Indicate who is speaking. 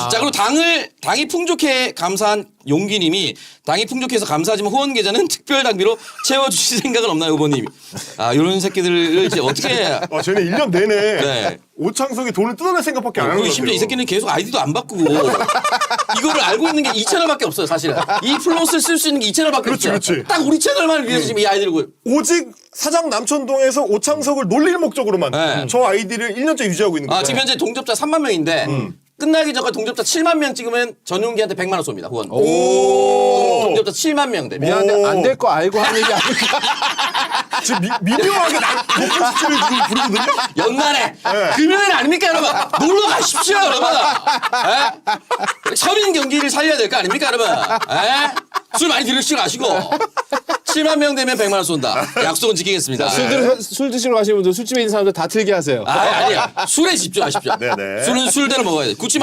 Speaker 1: 자, 그리고 당이 풍족해 감사한 용기님이 당이 풍족해서 감사하지만 후원 계좌는 특별 당비로 채워주실 생각은 없나요, 후보님? 아, 이런 새끼들을 이제 어떻게 해야.
Speaker 2: 쟤는 1년 내내
Speaker 1: 네.
Speaker 2: 오창석이 돈을 뜯어낼 생각밖에 안 하는
Speaker 1: 그리고
Speaker 2: 거예요.
Speaker 1: 심지어 이 새끼는 계속 아이디도 안 바꾸고 이거를 알고 있는 게 이 채널밖에 없어요, 사실은. 이 플롯을 쓸 수 있는 게 이 채널밖에
Speaker 2: 그렇지,
Speaker 1: 없어요.
Speaker 2: 그렇지.
Speaker 1: 딱 우리 채널만 위해서 지금 이 아이디를
Speaker 2: 오직 사장 남천동에서 오창석을 놀릴 목적으로만
Speaker 1: 네.
Speaker 2: 저 아이디를 1년째 유지하고 있는 거예요.
Speaker 1: 지금 현재 동접자 3만 명인데 끝나기 전까지 동접자 7만 명 찍으면 전용기한테 100만 원 쏩니다. 후원. 동접자 7만 명 되면.
Speaker 3: 미안한데 안 될 거 알고 하는 얘기 아닐까?
Speaker 2: 지금 미묘하게 높은 수치를 지금 부르거든요.
Speaker 1: 연말에 금요일 아닙니까 여러분? 놀러 가십시오 여러분. 서민 경기를 살려야 될 거 아닙니까 여러분? 술 많이 들으시고 가시고 7만 명 되면 100만 원 쏜다. 약속은 지키겠습니다.
Speaker 3: 술 드시러 가시는 분들 술집에 있는 사람들 다 틀게 하세요.
Speaker 1: 아니야. 술에 집중하십시오.
Speaker 2: 네네.
Speaker 1: 술은 술대로 먹어야 돼. 굳이